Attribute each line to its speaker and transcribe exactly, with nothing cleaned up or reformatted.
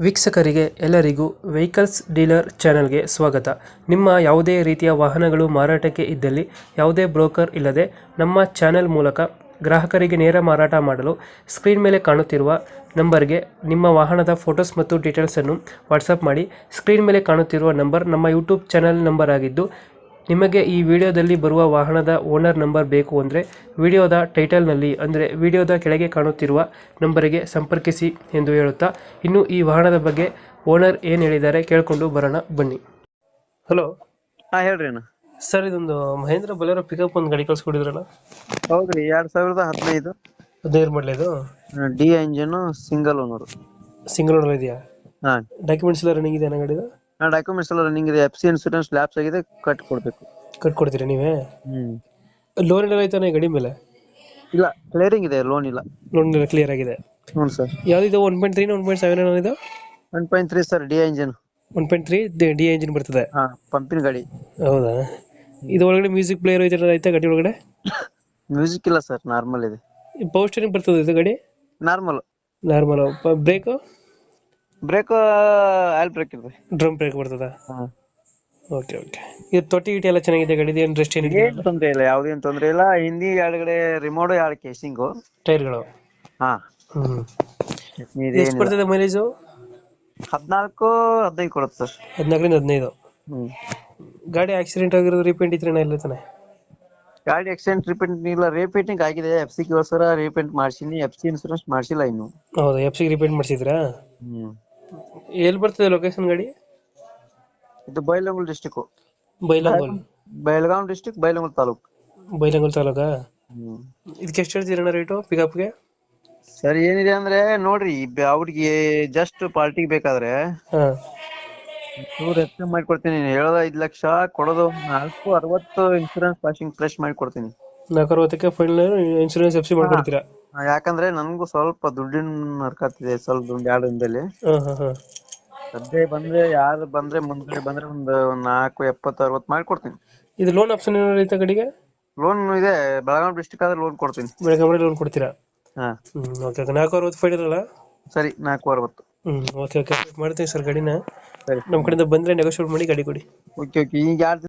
Speaker 1: ವೀಕ್ಷಕರಿಗೆ ಎಲ್ಲರಿಗೂ vehicles dealer ಚಾನೆಲ್ಗೆ ಸ್ವಾಗತ. ನಿಮ್ಮ ಯಾವುದೇ ರೀತಿಯ ವಾಹನಗಳು ಮಾರಾಟಕ್ಕೆ ಇದ್ದಲ್ಲಿ ಯಾವುದೇ ಬ್ರೋಕರ್ ಇಲ್ಲದೆ ನಮ್ಮ ಚಾನೆಲ್ ಮೂಲಕ ಗ್ರಾಹಕರಿಗೆ ನೇರ ಮಾರಾಟ ಮಾಡಲು ಸ್ಕ್ರೀನ್ ಮೇಲೆ ಕಾಣುತ್ತಿರುವ ನಂಬರ್ಗೆ ನಿಮ್ಮ ವಾಹನದ ಫೋಟೋಸ್ ಮತ್ತು ಡೀಟೇಲ್ಸನ್ನು ವಾಟ್ಸಪ್ ಮಾಡಿ. ಸ್ಕ್ರೀನ್ ಮೇಲೆ ಕಾಣುತ್ತಿರುವ ನಂಬರ್ ನಮ್ಮ ಯೂಟ್ಯೂಬ್ ಚಾನೆಲ್ ನಂಬರ್ ಆಗಿದ್ದು, ನಿಮಗೆ ಈ ವಿಡಿಯೋದಲ್ಲಿ ಬರುವ ವಾಹನದ ಓನರ್ ನಂಬರ್ ಬೇಕು ಅಂದರೆ ವಿಡಿಯೋದ ಟೈಟಲ್ನಲ್ಲಿ ಅಂದರೆ ವಿಡಿಯೋದ ಕೆಳಗೆ ಕಾಣುತ್ತಿರುವ ನಂಬರಿಗೆ ಸಂಪರ್ಕಿಸಿ ಎಂದು ಹೇಳುತ್ತಾ, ಇನ್ನು ಈ ವಾಹನದ ಬಗ್ಗೆ ಓನರ್ ಏನು ಹೇಳಿದ್ದಾರೆ ಕೇಳಿಕೊಂಡು ಬರೋಣ ಬನ್ನಿ. ಹಲೋ,
Speaker 2: ಹಾ ಹೇಳ್ರಿ ಅಣ್ಣ.
Speaker 1: ಸರ್ ಇದೊಂದು ಮಹೇಂದ್ರ ಬೊಲೆರೋ ಪಿಕಪ್ ಒಂದು ಗಾಡಿ ಕಳ್ಸ್ಕೊಡಿದ್ರಲ್ಲ?
Speaker 2: ಹೌದ್ರಿ, ಎರಡ್ ಸಾವಿರದ ಹದಿನೈದು
Speaker 1: ಹದಿನೈದು ಮಾಡಲ ಇದು?
Speaker 2: D engine, single owner.
Speaker 1: Single owner ಇದೆಯಾ?
Speaker 2: ಹಾ,
Speaker 1: ಡಾಕ್ಯುಮೆಂಟ್ಸ್ ಎಲ್ಲ ರನ್ನಿಂಗ್ ಇದೆ ಗಾಡಿದು?
Speaker 2: ನಾ ಡಾಕ್ಯುಮೆಂಟ್ಸ್ ಎಲ್ಲ ರನ್ನಿಂಗ್ ಇದೆ. ಎಫ್ ಸಿ ಇನ್ಸೂರೆನ್ಸ್ ಲ್ಯಾಪ್ಸ್ ಆಗಿದೆ, ಕಟ್ ಕೊಡ್ಬೇಕು.
Speaker 1: ಕಟ್ಕೊಡ್ತೀರಾ ನೀವೇ?
Speaker 2: ಹ್ಮ್
Speaker 1: ಲೋನ್ ಎಲ್ಲ ಆಯ್ತಾನೆ ಗಾಡಿ ಮೇಲೆ?
Speaker 2: ಇಲ್ಲ, ಕ್ಲಿಯರಿಂಗ್ ಇದೆ, ಲೋನ್ ಇಲ್ಲ.
Speaker 1: ಲೋನ್ ಎಲ್ಲ ಕ್ಲಿಯರ್ ಆಗಿದೆ?
Speaker 2: ಹ್ಞೂ ಸರ್.
Speaker 1: ಯಾವ್ದಿದೆ? One point three one point seven ಇದು?
Speaker 2: One point three sir, D engine.
Speaker 1: One point three D engine ಬರ್ತದೆ?
Speaker 2: ಹಾ, ಪಂಪಿನ ಗಾಡಿ.
Speaker 1: ಹೌದಾ? ಇದು ಒಳಗಡೆ ಮ್ಯೂಸಿಕ್ ಪ್ಲೇಯರ್ ಐತೆ ಗಾಡಿ ಒಳಗಡೆ?
Speaker 2: ಮ್ಯೂಸಿಕ್ ಇಲ್ಲ ಸರ್, ನಾರ್ಮಲ್ ಇದೆ.
Speaker 1: ಪವರ್ ಸ್ಟೀರಿಂಗ್ ಬರ್ತದೆ ಇದು ಗಾಡಿ?
Speaker 2: Normal.
Speaker 1: Normal. Brake?
Speaker 2: Brake oil brake ಇದೆ.
Speaker 1: ಡ್ರಮ್ ಬ್ರೇಕ್ ಬರ್ತದ?
Speaker 2: ಹಾ.
Speaker 1: Okay okay. ಇದು ತೊಟ್ಟಿ ಗಿಟ್ಟಿ ಎಲ್ಲ ಚೆನ್ನಾಗಿದೆ ಗಾಡಿದು? ಏನು ರೆಸ್ಟ್ ಏನಿದೆ?
Speaker 2: ಏನ್ ತೊಂದ್ರೆ ಇಲ್ಲ, ಯಾವ್ದೇನ್ ತೊಂದ್ರೆ ಇಲ್ಲ. ಹಿಂದಿ ಎರಡ್ಗಡೆ ರಿಮೋಟ್, ಎರಡು ಕೇಸಿಂಗು.
Speaker 1: ಟೈರ್ಗಳು?
Speaker 2: ಹಾ.
Speaker 1: ಹ್ಮ್. ಎಷ್ಟು ಬರ್ತದೆ ಮೈಲೇಜು?
Speaker 2: ಹದಿನಾಲ್ಕು ಹದಿನೈದು ಕೊಡುತ್ತೆ ಸರ್.
Speaker 1: ಹದಿನಾಲ್ಕರಿಂದ ಹದಿನೈದು?
Speaker 2: ಹ್ಮ್.
Speaker 1: ಗಾಡಿ ಆಕ್ಸಿಡೆಂಟ್ ಆಗಿರೋದು, ರೀಪೇಂಟ್ ಇದ್ರೆ ಎಲ್ಲ ತಾನೆ?
Speaker 2: ಗಾಡಿ ಆಕ್ಸಿಡೆಂಟ್ ರಿಪೇಂಟ್ ಇಲ್ಲ, ರೀಪೇಂಟಿಂಗ್ ಆಗಿದೆ. ಎಫ್ ಸಿ ಸರ ರೀಪೇಂಟ್ ಮಾಡ್ಸಿನಿ. ಎಫ್ ಸಿ ಇನ್ಸೂರೆನ್ಸ್ ಮಾಡ್ಸಿಲ್ಲ ಇನ್ನು.
Speaker 1: ಹೌದಾ? ಎಫ್ ಸಿ ರೀಪೇಂಟ್ ಮಾಡಿಸಿದ್ರಾ?
Speaker 2: ಹ್ಮ್.
Speaker 1: ಎಲ್ಲಿ ಬರ್ತದೆ ಲೊಕೇಶನ್ ಗಾಡಿ?
Speaker 2: ಇದು ಬೈಲಹೊಂಗಲ ಡಿಸ್ಟಿಕ್.
Speaker 1: ಬೈಲಹೊಂಗಲ?
Speaker 2: ಬೆಳಗಾಂ ಡಿಸ್ಟಿಕ್, ಬೈಲಹೊಂಗಲ ತಾಲೂಕ್.
Speaker 1: ಬೈಲಹೊಂಗಲ ತಾಲೂಕಾ?
Speaker 2: ಹ್ಮ್.
Speaker 1: ಇದಕ್ಕೆ ಎಷ್ಟು ಹೇಳ್ತೀರಣ್ಣ ರೇಟು ಪಿಕಪ್ಗೆ?
Speaker 2: ಸರ್ ಏನಿದೆ ಅಂದ್ರೆ ನೋಡ್ರಿ, ಅವ್ರಿಗೆ ಜಸ್ಟ್ ಪಾರ್ಟಿಗೆ ಬೇಕಾದ್ರೆ
Speaker 1: ಹಾ,
Speaker 2: ನೂರ ಹೆಚ್ಚು ಮಾಡ್ಕೊಡ್ತೀನಿ. ಹೇಳೋದ ಐದ್ ಲಕ್ಷ, ಕೊಡೋದು ನಾಲ್ಕು ಅರವತ್ತು. ಇನ್ಸೂರೆನ್ಸ್ ಪಾಸಿಂಗ್ ಫ್ರೆಶ್ ಮಾಡಿ ಕೊಡ್ತೀನಿ.
Speaker 1: ನಾಲ್ಕು ಅರವತ್ತಕ್ಕೆ ಫೈನಲ್ ಇನ್ಶೂರೆನ್ಸ್ ಎಫ್ ಸಿ ಮಾಡ್ಕೊಡ್ತೀರಾ?
Speaker 2: ಯಾಕಂದ್ರೆ ನನ್ಗೂ ಸ್ವಲ್ಪ ದುಡ್ಡಿನ ಹರ್ಕತ್ತಿದೆ, ಸ್ವಲ್ಪ ದುಡ್ಡು ಎರಡು ದಿನದಲ್ಲಿ.
Speaker 1: ಹಾ ಹಾ ಹಾ.
Speaker 2: ಸದ್ಯ ಬಂದ್ರೆ, ಯಾರು ಬಂದ್ರೆ ಮುಂದ್ಗಡೆ ಬಂದ್ರೆ ಒಂದು ನಾಲ್ಕು ಎಪ್ಪತ್ತು ಅರವತ್ತು ಮಾಡ್ಕೊಡ್ತೀನಿ.
Speaker 1: ಇದು ಲೋನ್ ಆಪ್ಷನ್ ಏನಾದ್ರು ಐತೆ ಗಾಡಿಗೆ?
Speaker 2: ಲೋನ್ ಇದೆ, ಬೆಳಗಾವಿ ಡಿಸ್ಟಿಕ್ ಆದ್ರೆ ಲೋನ್ ಕೊಡ್ತೀನಿ.
Speaker 1: ಬೆಳಗಾವಿ ಲೋನ್ ಕೊಡ್ತೀರಾ?
Speaker 2: ಹಾ.
Speaker 1: ಹ್ಮ್ ಓಕೆ ಓಕೆ. ನಾಲ್ಕು ಅರವತ್ತು ಫೈನಲ್ ಅಲ್ಲ?
Speaker 2: ಸರಿ, ನಾಲ್ಕು ಅರವತ್ತು.
Speaker 1: ಹ್ಮ್ ಓಕೆ ಓಕೆ ಮಾಡ್ತೀನಿ ಸರ್ ಗಾಡಿನ.
Speaker 2: ಸರಿ,
Speaker 1: ನಮ್ಮ ಕಡೆಯಿಂದ ಬಂದ್ರೆ ನೆಗೋಶಿಯೇಟ್ ಮಾಡಿ ಗಾಡಿ ಕೊಡಿ.
Speaker 2: Okay okay. ಈಗ ಯಾರು